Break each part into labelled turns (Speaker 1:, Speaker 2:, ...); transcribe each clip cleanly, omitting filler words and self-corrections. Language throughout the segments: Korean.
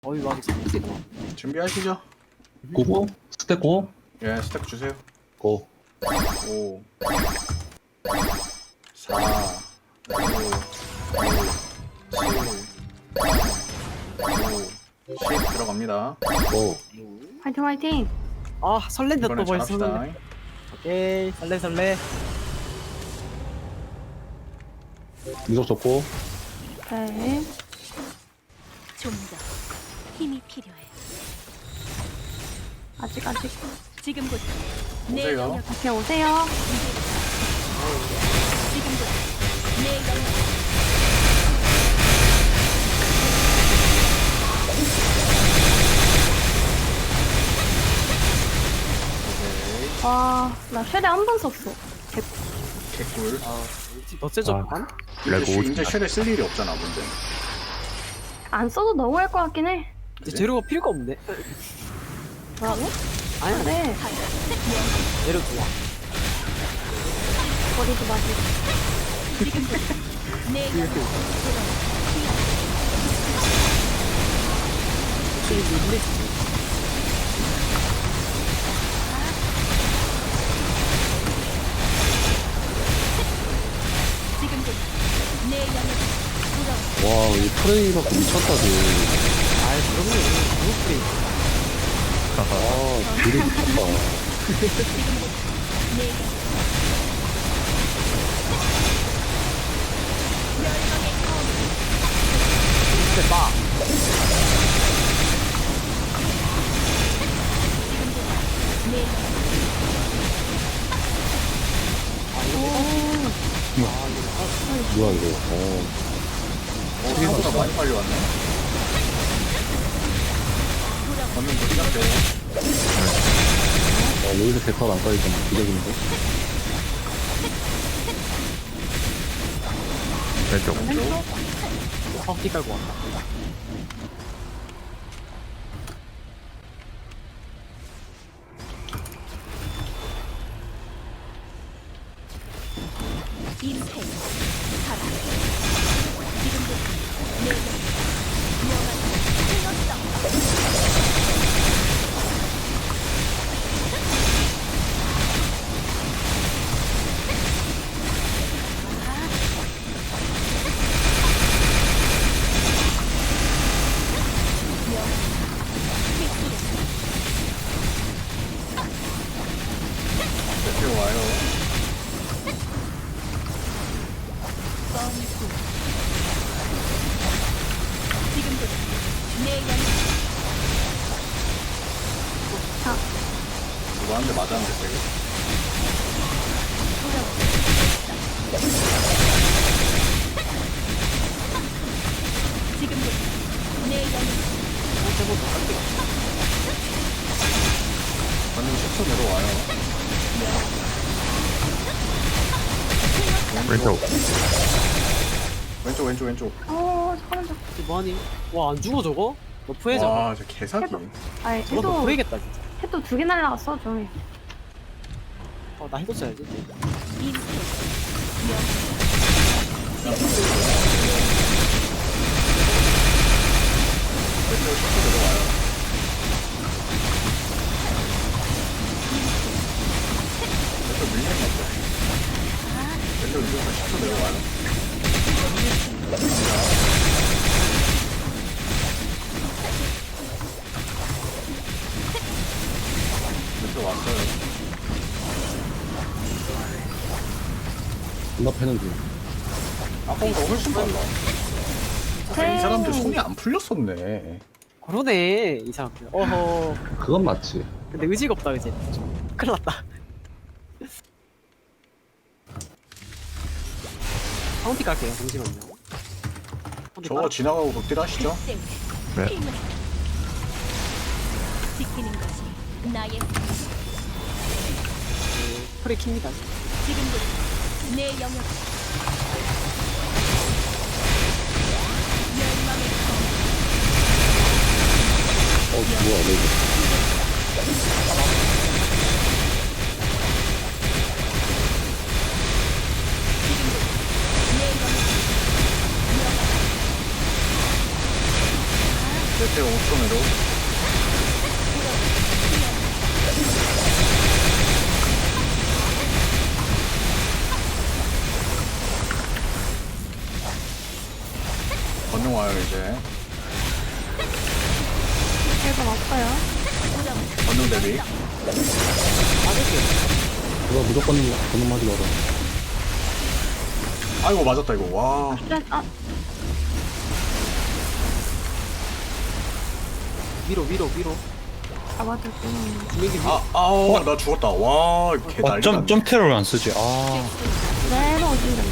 Speaker 1: 어이 막 재밌어.
Speaker 2: 준비하시죠.
Speaker 3: 고고? 스택 고?
Speaker 2: 예, 스택 주세요.
Speaker 3: 고.
Speaker 2: 5 4 5 6 7 10 들어갑니다.
Speaker 3: 고.
Speaker 4: 화이팅 화이팅.
Speaker 1: 아 설렌다 또
Speaker 2: 이번엔
Speaker 1: 벌써.
Speaker 2: 잘합시다.
Speaker 1: 오케이 설레.
Speaker 3: 이속 좋고.
Speaker 4: 네.
Speaker 5: 좀 더 힘이 필요해.
Speaker 4: 아직
Speaker 5: 지금부터 내
Speaker 2: 오세요.
Speaker 5: 영역,
Speaker 4: 다시 오세요.
Speaker 5: 지금부터 내 영역.
Speaker 2: 오케이.
Speaker 4: 와, 나 최대 한 번 썼어.
Speaker 2: 개꿀.
Speaker 1: 더 세죠?
Speaker 3: 아.
Speaker 2: 이제 쉘에 쓸 일이 없잖아, 문제.
Speaker 4: 안 써도 너무할 것 같긴 해.
Speaker 1: 이제 재료가 필요가 없네.
Speaker 4: 뭐라고?
Speaker 1: 아니야.
Speaker 4: 네.
Speaker 1: 재료 좋아.
Speaker 4: 버리지 마세요.
Speaker 5: 지금부터 내 영역.
Speaker 1: 확실히 힘내지.
Speaker 5: 지금부터 내 영역.
Speaker 3: 와, 이 프레이 갖고 미쳤다, 쟤.
Speaker 1: 아이 그럼요. 너무 프레이.
Speaker 3: 아, 딜이 미쳤다.
Speaker 5: 내 영역.
Speaker 1: 근데 막
Speaker 5: 내 영역.
Speaker 3: 뭐야, 이거.
Speaker 2: 생각보다 많이 빨리 왔네. 걷는 거 시작돼.
Speaker 3: 여기서 대파가 안 까이잖아. 기적인데.
Speaker 2: 왼쪽.
Speaker 1: 헛기 깔고 왔다.
Speaker 5: 임팩. 살아. 지금부터 내 영역. 영원히 흘렀어.
Speaker 2: 대표 와요.
Speaker 5: 지금부터 내 영역.
Speaker 2: 누가 한 대 맞았는데, 되게.
Speaker 5: 지금부터 내 영역.
Speaker 2: 걷는 10초 내려와요. 왼쪽.
Speaker 4: 사람
Speaker 1: 뭐하니? 와 안 죽어 저거? 너프해잖아.
Speaker 2: 와, 저 개사기.
Speaker 4: 아니,
Speaker 1: 저거 너프해겠다 진짜.
Speaker 4: 해도 2개 날라갔어, 저기.
Speaker 1: 나 해도 써야지.
Speaker 5: 임팩.
Speaker 2: 왼쪽 10초 내려와요. 왼쪽 밀리는 거 없어. 왼쪽 10초 내려와요. 왼쪽 왔어요.
Speaker 3: 존나 패는 중.
Speaker 2: 아까보다 훨씬 빨라. 이
Speaker 4: 네.
Speaker 2: 사람들 손이 안 풀렸었네.
Speaker 1: 그러네 이 사람들. 어허.
Speaker 3: 그건 맞지.
Speaker 1: 근데 의지가 없다 그지? 큰일 났다. 카운티 갈게요. 잠시만요. 카운티
Speaker 2: 저거 지나가고 극딜 하시죠?
Speaker 5: 네. 힘을 지키는 것이 나의
Speaker 1: 프레이 킵니다.
Speaker 5: 지금부터 내 영역. 멸망의
Speaker 3: 뭐야, 너 이거.
Speaker 5: 내 영역.
Speaker 2: 실제 5초 10초 내로. 건능 와요 이제.
Speaker 4: 1번 없어요.
Speaker 2: 건능 대비.
Speaker 1: 맞을게요.
Speaker 3: 그거 무조건 건너하지 마라.
Speaker 2: 아이고 맞았다 이거. 와.
Speaker 4: 스트레스, 아,
Speaker 1: 위로.
Speaker 4: 잡아줄게.
Speaker 1: 분명히 위로.
Speaker 2: 아우 나 죽었다. 와, 개 난리 났네.
Speaker 6: 점테러를 안 쓰지. 아,
Speaker 4: 내로 오신다.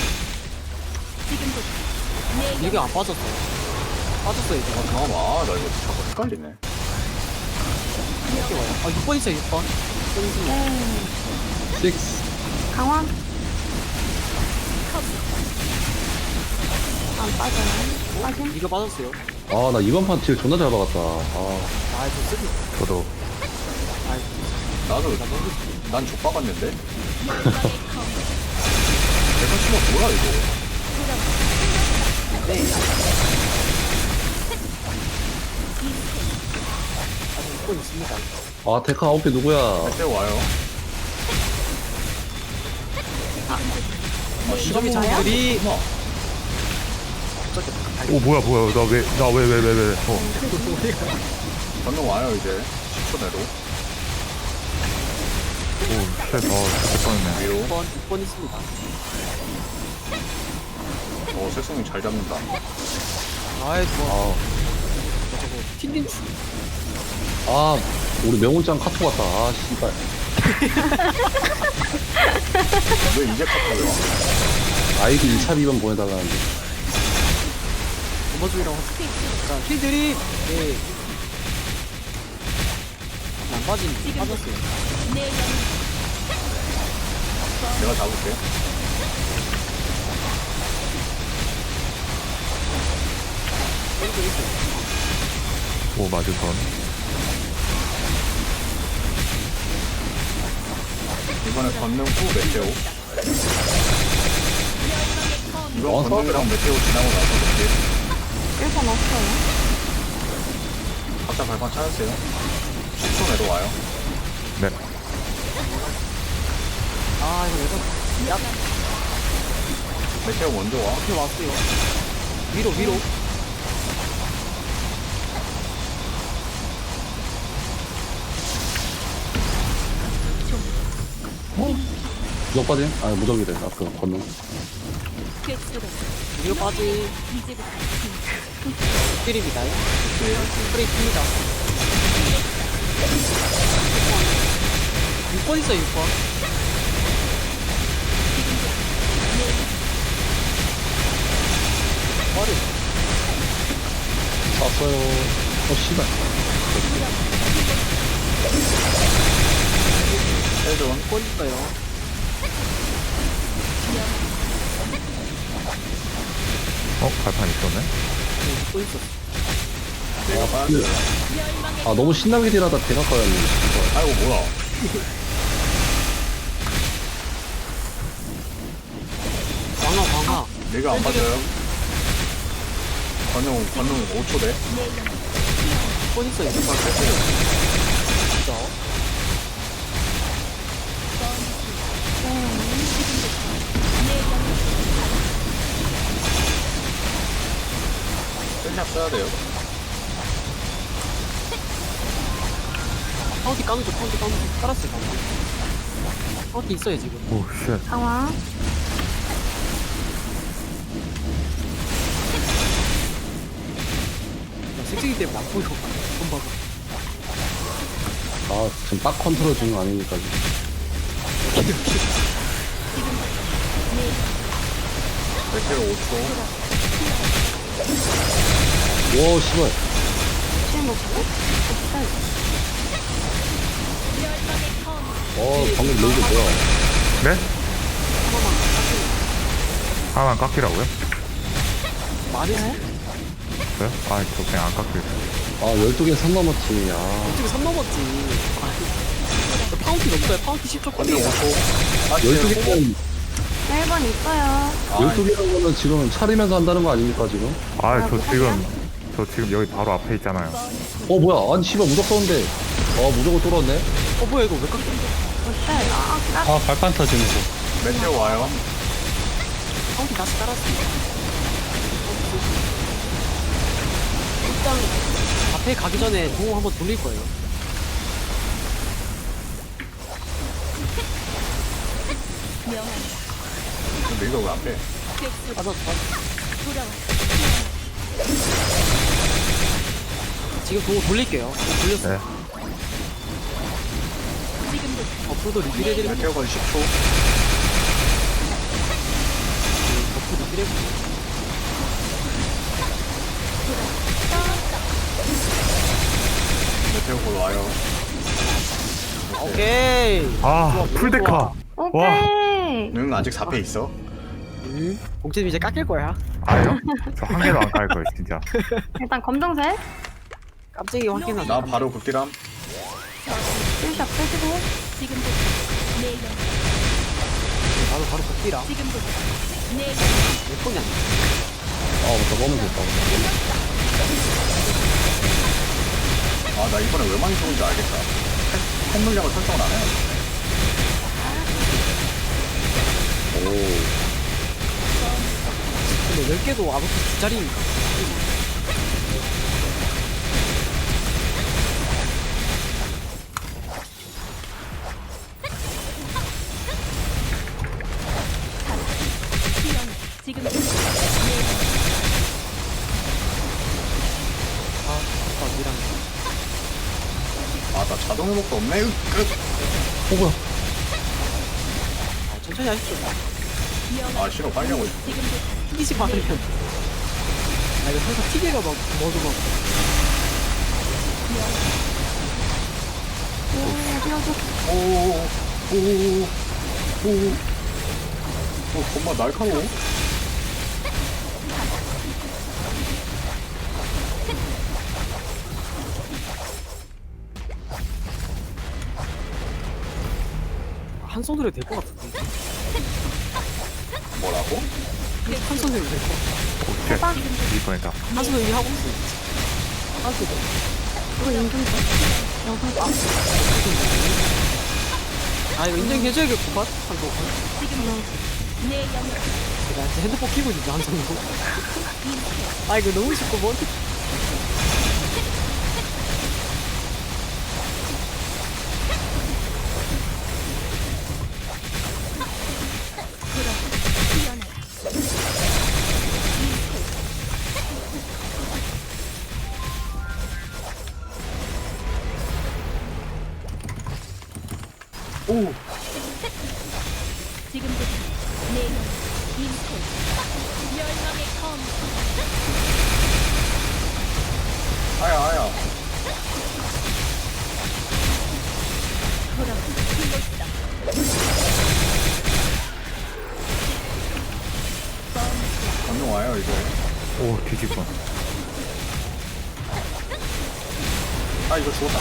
Speaker 5: 지금부터 내
Speaker 1: 이게 안 빠졌어요. 빠졌어요, 이제.
Speaker 2: 잠깐만, 나 이거 자꾸 헷갈리네.
Speaker 1: 이렇게 와요. 6번 있어요, 6번.
Speaker 4: 네.
Speaker 3: 6.
Speaker 4: 강화. 안 빠져요. 빠짐.
Speaker 1: 이거 빠졌어요.
Speaker 3: 아, 나 이번 판 딜 존나 잘 박았다. 아,
Speaker 1: 저 쓰기.
Speaker 6: 저도.
Speaker 2: 나도 난 족박았는데. 내가 치면 뭐야 이거?
Speaker 1: 네. 아직 6번 있습니다.
Speaker 3: 아 데카 아웃피 누구야?
Speaker 2: 그때 와요.
Speaker 1: 이점이 장들이
Speaker 2: 어머.
Speaker 6: 오, 뭐야. 나 왜.
Speaker 2: 건능 와요 이제. 10초 내로.
Speaker 6: 오, 쉣, 그때 뻔했네.
Speaker 2: 위로.
Speaker 1: 6번 있습니다.
Speaker 2: 색성이 잘 잡는다.
Speaker 1: 아이, 좋아.
Speaker 3: 아,
Speaker 1: 저거, 틴딘
Speaker 3: 아 우리 명훈짱 카톡 왔다. 아 씨발.
Speaker 2: 왜 이제 카톡이 와?
Speaker 3: 아이디 2차 비번 보내달라는데.
Speaker 1: 넘어주기라고 하죠. 자, 킬드립! 네. 안 빠졌어요.
Speaker 5: 내 영역
Speaker 2: 내가 잡을게.
Speaker 6: 오, 맞을 뻔.
Speaker 2: 이번에 건능 후 메테오. 이번
Speaker 3: 어,
Speaker 2: 건능이랑 메테오 지나고 나서 이렇게
Speaker 4: 1번 없어요.
Speaker 2: 각자 발판 찾으세요. 10초 내로 와요.
Speaker 6: 네.
Speaker 1: 이거 야,
Speaker 2: 메테오 먼저 와.
Speaker 1: 앞에 왔어요. 위로.
Speaker 3: 무적 빠짐? 아 무적이래. 아까 건능.
Speaker 5: 꿰뚫어
Speaker 1: 위로 빠지.
Speaker 5: 이제부터
Speaker 1: 킬입니다. 프레이입니다. 6번 있어요, 6번. 머리.
Speaker 3: 쐈어요. 씨발.
Speaker 2: 헬존.
Speaker 1: 6번 있어요.
Speaker 6: 발판 있었네.
Speaker 1: 6번 있었어.
Speaker 2: 내가 빠졌어요.
Speaker 3: 아 너무 신나게 딜하다 대각 가였네.
Speaker 2: 아이고 뭐야.
Speaker 1: 광화.
Speaker 2: 내가 안 빠져요. 건능 5초 돼.
Speaker 1: 6번 있어요. 6번. 진짜.
Speaker 2: 셀샵 써야 돼요.
Speaker 1: 파운티 까놓죠, 깔았어요, 파운티 있어요, 지금.
Speaker 6: 오, 쉣.
Speaker 4: 강화.
Speaker 1: 색색이 때문에 안 보여. 돈 봐봐.
Speaker 3: 아 지금 딱 컨트롤 중거 아니니까.
Speaker 2: 메테오 5초.
Speaker 3: 와 씨발.
Speaker 4: 지금 먹고?
Speaker 3: 방금 레이저 뭐야?
Speaker 6: 네? 하나만 깎이라고요?
Speaker 1: 많이 해?
Speaker 6: 그래요? 아, 저 그냥 안 깎일.
Speaker 3: 아 12개 선 넘었지. 아
Speaker 1: 어떻게 3 넘었지. 파운티 넘어요. 파운티 10초
Speaker 2: 건능
Speaker 1: 꼴이에요.
Speaker 2: 5초.
Speaker 3: 12개는
Speaker 4: 1번 있어요.
Speaker 3: 12개라는 거는 지금 차리면서 한다는 거 아닙니까 지금?
Speaker 6: 아, 저 지금 저 지금 여기 바로 앞에 있잖아요.
Speaker 3: 뭐야? 아니 씨발 무적 썼는데. 무적을 뚫었네.
Speaker 1: 뭐야 이거 왜 깎여?
Speaker 4: 어때?
Speaker 7: 아 발판 터지는 거.
Speaker 2: 메테오 와요.
Speaker 1: 카운트 다시 깔았어. 일단 앞에 가기 전에 공 한번 돌릴 거예요.
Speaker 5: 명한다.
Speaker 2: 근데 이거 왜 안 빼?
Speaker 5: 객수로
Speaker 1: 맞아.
Speaker 5: 돌아와.
Speaker 1: 지금 공 돌릴게요. 돌렸어.
Speaker 6: 네.
Speaker 5: 지금부터
Speaker 1: 버프도 리필 해드리고
Speaker 2: 메테오가 10초.
Speaker 1: 버프 리필 해드리고.
Speaker 2: 메테오가 와요.
Speaker 1: 오케이.
Speaker 6: 아
Speaker 1: 좋아,
Speaker 6: 풀데카. 와.
Speaker 4: 오케이.
Speaker 2: 응, 아직 4패 있어.
Speaker 1: 봉채님 이제 깎일 거야.
Speaker 6: 아요? 저 한 개도 안 깔 거예요 진짜.
Speaker 4: 일단 검정색.
Speaker 1: 깜짝이 확인하자.
Speaker 2: 나 바로 극딜함.
Speaker 4: 필샵 빼시고.
Speaker 5: 지금부터 내 영.
Speaker 1: 바로 복귀라.
Speaker 5: 지금부터 내 영.
Speaker 1: 몇 번이야?
Speaker 3: 맞다. 너무 좋다.
Speaker 2: 아, 나 이번에 왜 많이 좋은지 알겠다. 핵 물량을 설정을 안 해.
Speaker 1: 근데 10개도 아무튼 두 자리니까.
Speaker 5: 지금부터 내 영.
Speaker 1: 미랑.
Speaker 2: 아, 나 자동 회복도 없네. 끝.
Speaker 3: 뭐야?
Speaker 1: 천천히 하십시오.
Speaker 2: 아, 싫어. 빨리 하고 있어.
Speaker 5: 지금부터
Speaker 1: 튀기지 말으면. 이거 항상 튀기가 막, 뭐도 막.
Speaker 2: 정말 날카로워.
Speaker 1: 한 손으로 될 것 같은데.
Speaker 2: 뭐라고?
Speaker 1: 한 손으로 될 것 같아.
Speaker 6: 오케이. 이 뻔했다.
Speaker 1: 한 손으로 이미 하고 있어. 한 손으로.
Speaker 4: 이거 인증 줘. 여기다.
Speaker 1: 이거 인정해줘야겠구만. 한 손.
Speaker 5: 내 영.
Speaker 1: 내가 진짜 핸드폰 키고 있는데, 한 손으로. 이거 너무 쉽고, 뭐.
Speaker 2: 오,
Speaker 5: 지금부터 내 영. 인생. 멸망의 검.
Speaker 2: 아야.
Speaker 5: 돌아와. 이곳이다.
Speaker 2: 건능 와요, 이제.
Speaker 6: 오 뒤집어.
Speaker 2: 아, 이거 죽었다.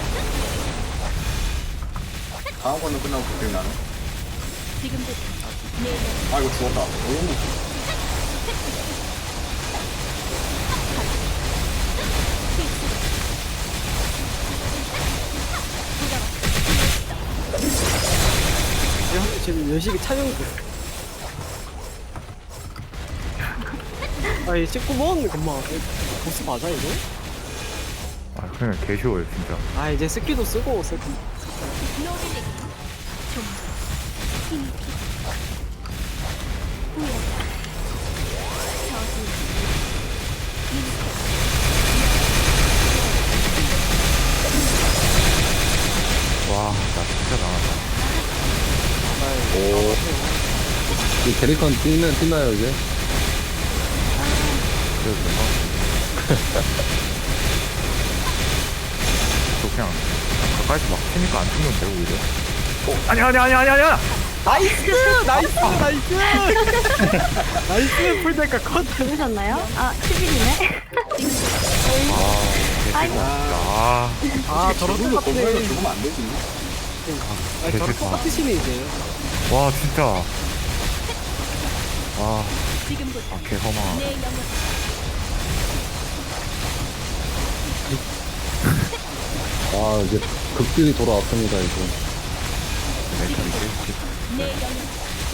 Speaker 2: 다음 건능 끝나고 극딜 나는.
Speaker 5: 지금부터 내 영.
Speaker 2: 아, 이거 죽었다. 오.
Speaker 1: 지금 열심히 촬영 중. 이 찍고 먹었네, 금방. 보스 맞아, 이거?
Speaker 6: 아 그냥 개 쉬워요 진짜.
Speaker 1: 이제 스키도 쓰고, 스키.
Speaker 5: 노래를 좀 힘있게 후회한다. 저주 인생.
Speaker 6: 와 나 진짜 나왔다.
Speaker 3: 이 캐릭터 뛰나요 이제?
Speaker 6: 그래도 저 그냥 가까이서 막 치니까 안 죽는데 오히려. 아니야.
Speaker 1: 나이스! 나이스! 풀데카 컷!
Speaker 4: 들으셨나요? 11이네. 아이고.
Speaker 1: 저런
Speaker 2: 죽으면
Speaker 1: 똑같네.
Speaker 2: 건물에서 죽으면 안 되지.
Speaker 1: 저런
Speaker 6: 개새끼.
Speaker 1: 똑같으시네, 이제.
Speaker 6: 와 진짜.
Speaker 5: 지금부터
Speaker 6: 개 허망.
Speaker 5: 내 영역.
Speaker 3: 아, 이제 극딜이 돌아왔습니다, 이제.
Speaker 6: 멘탈이지.
Speaker 5: 내 영역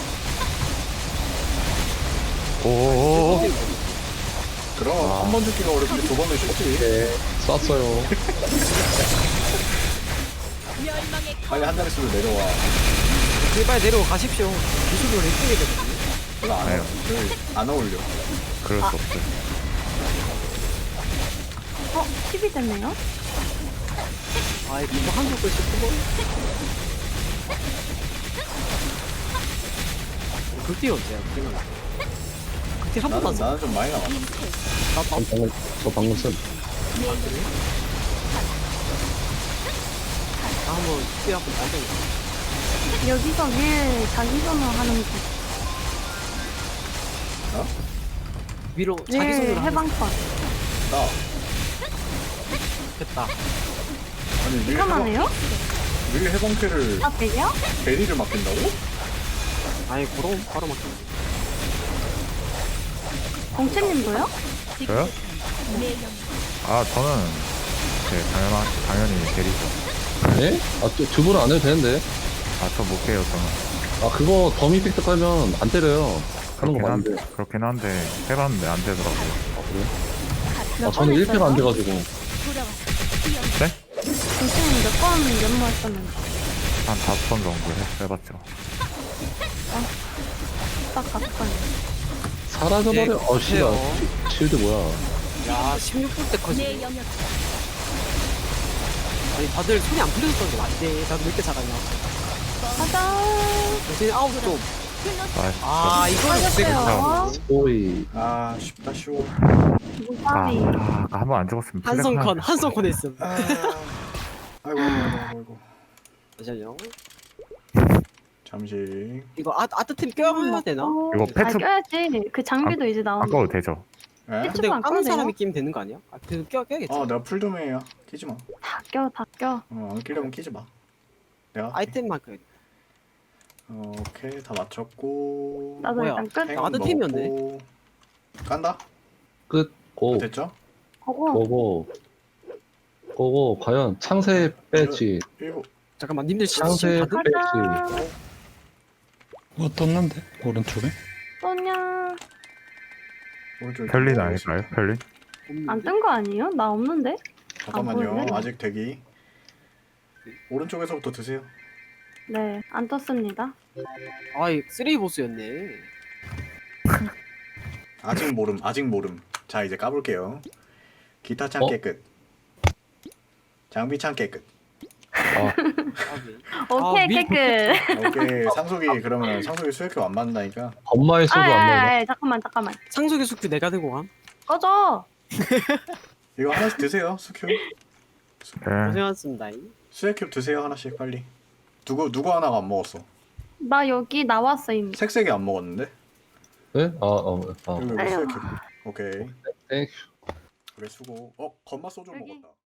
Speaker 6: 오오오오.
Speaker 2: 그럼 한 번 죽기가 어렵는데 두 번은 쉽지.
Speaker 3: 네, 쐈어요.
Speaker 5: 멸망의
Speaker 2: 빨리 한 자릿수로 내려와.
Speaker 1: 제발 내려가 가십시오. 기술을 했어야 되거든요.
Speaker 2: 별로 안
Speaker 6: 아유.
Speaker 2: 안 어울려.
Speaker 6: 그럴 수 없어요.
Speaker 4: 10이 됐네요?
Speaker 1: 아, 이거 한국 글씨 크고. 극딜 언제야? 극딜 한 번도 안 써.
Speaker 2: 나는 좀 많이 나왔어.
Speaker 3: 저 방금 쓴.
Speaker 1: 나 한번 극딜 한번 날려.
Speaker 4: 여기서 왜 자기 전화 하는 거?
Speaker 1: 위로 자기
Speaker 4: 왜
Speaker 1: 손으로 하는
Speaker 4: 해방권?
Speaker 2: 나
Speaker 1: 됐다.
Speaker 2: 아니 밀
Speaker 4: 이거만해요?
Speaker 2: 해방캐를
Speaker 4: 아, 되게요?
Speaker 2: 베리를 맡긴다고?
Speaker 1: 아니, 그럼 바로 막.
Speaker 4: 공채님도요?
Speaker 6: 저요?
Speaker 5: 내 영역
Speaker 6: 아 저는 당연히 대리죠.
Speaker 3: 네? 아, 두 분은 안 해도 되는데.
Speaker 6: 아 저 못해요 저는.
Speaker 3: 아, 그거 더미 이펙트 깔면 안 때려요. 하는 거 맞는데.
Speaker 6: 그렇긴 한데 해봤는데 안 되더라고요.
Speaker 3: 아, 그래?
Speaker 4: 몇
Speaker 3: 아, 저는
Speaker 4: 번
Speaker 3: 1패가 안
Speaker 4: 했어요?
Speaker 3: 돼가지고.
Speaker 5: 돌아와서 뛰어
Speaker 4: 공채님 몇번 연모했었는데?
Speaker 6: 한 5번 정도 해봤죠.
Speaker 4: 딱 5번.
Speaker 3: 사라져버려.
Speaker 1: 네,
Speaker 3: 어, 씨발.
Speaker 1: 해요.
Speaker 3: 실드 뭐야.
Speaker 1: 야, 16분 때
Speaker 5: 내
Speaker 1: 커지네.
Speaker 5: 영역
Speaker 1: 아니, 다들 손이 안 풀려서 그런 거 안돼. 나도 왜 이렇게 잘하냐.
Speaker 4: 가자.
Speaker 1: 요새 아웃 좀.
Speaker 6: 나이스.
Speaker 1: 아, 이거는 되게
Speaker 4: 맞았어요.
Speaker 3: 오이.
Speaker 2: 아 쉽다 쉬워.
Speaker 4: 무사비.
Speaker 6: 한 번 안 죽었으면
Speaker 1: 한성컨 했음.
Speaker 2: 아이고 아이고.
Speaker 1: 잠시만요.
Speaker 2: 잠시.
Speaker 1: 이거 아트템 껴야 되나?
Speaker 6: 이거
Speaker 4: 아,
Speaker 6: 패트
Speaker 4: 껴야지. 그 장비도 이제
Speaker 6: 안
Speaker 4: 나오고.
Speaker 6: 꺼도 되죠?
Speaker 2: 에?
Speaker 1: 근데
Speaker 4: 안
Speaker 1: 까는
Speaker 4: 꺼내요?
Speaker 1: 사람이 끼면 되는 거 아니야? 아, 그래도 껴야겠지.
Speaker 2: 내가 풀도메이야. 끼지 마.
Speaker 4: 다 껴, 다 껴.
Speaker 2: 안 끼려면 끼지 마. 내가 할게.
Speaker 1: 아이템만 껴야 돼.
Speaker 2: 오케이 다 맞췄고.
Speaker 4: 나도
Speaker 1: 뭐야?
Speaker 4: 일단 끝.
Speaker 2: 행
Speaker 1: 아드템이었네.
Speaker 2: 먹었고. 깐다.
Speaker 3: 끝. 고.
Speaker 2: 됐죠?
Speaker 4: 거고.
Speaker 3: 고고. 과연 창세 배지.
Speaker 2: 일곱.
Speaker 1: 잠깐만, 님들
Speaker 3: 창세
Speaker 1: 다들
Speaker 4: 가자.
Speaker 3: 배지.
Speaker 7: 뭐 떴는데? 오른쪽에?
Speaker 4: 쏘냐.
Speaker 2: 오른쪽에
Speaker 6: 별린
Speaker 2: 뭐
Speaker 6: 아닐까요?
Speaker 2: 있습니다.
Speaker 6: 별린?
Speaker 4: 안 뜬 거 아니에요? 나 없는데?
Speaker 2: 잠깐만요.
Speaker 4: 보이네?
Speaker 2: 아직 대기. 오른쪽에서부터 드세요.
Speaker 4: 네, 안 떴습니다.
Speaker 1: 아이, 쓰레기 보스였네.
Speaker 2: 아직 모름. 자 이제 까볼게요. 기타 창
Speaker 3: 어?
Speaker 2: 깨끗. 장비 창 깨끗.
Speaker 3: 아,
Speaker 4: 오케이,
Speaker 1: 미-
Speaker 4: 깨끗.
Speaker 2: 오케이 상속이 그러면 상속이 수액효 안 맞는다니까.
Speaker 3: 엄마의 소도 안 나오네.
Speaker 4: 잠깐만.
Speaker 1: 상속의 숙주 내가 들고 감.
Speaker 4: 꺼져.
Speaker 2: 이거 하나씩 드세요. 수큐.
Speaker 6: 네.
Speaker 1: 고생하셨습니다.
Speaker 2: 수액효 드세요 하나씩 빨리. 누구 하나가 안 먹었어.
Speaker 4: 나 여기 나왔어, 이미.
Speaker 2: 색색이 안 먹었는데.
Speaker 3: 네?
Speaker 2: 여기
Speaker 4: 아유.
Speaker 2: 수액효. 오케이.
Speaker 3: 땡큐.
Speaker 2: 그래 수고. 건마 소주
Speaker 4: 여기.
Speaker 2: 먹었다.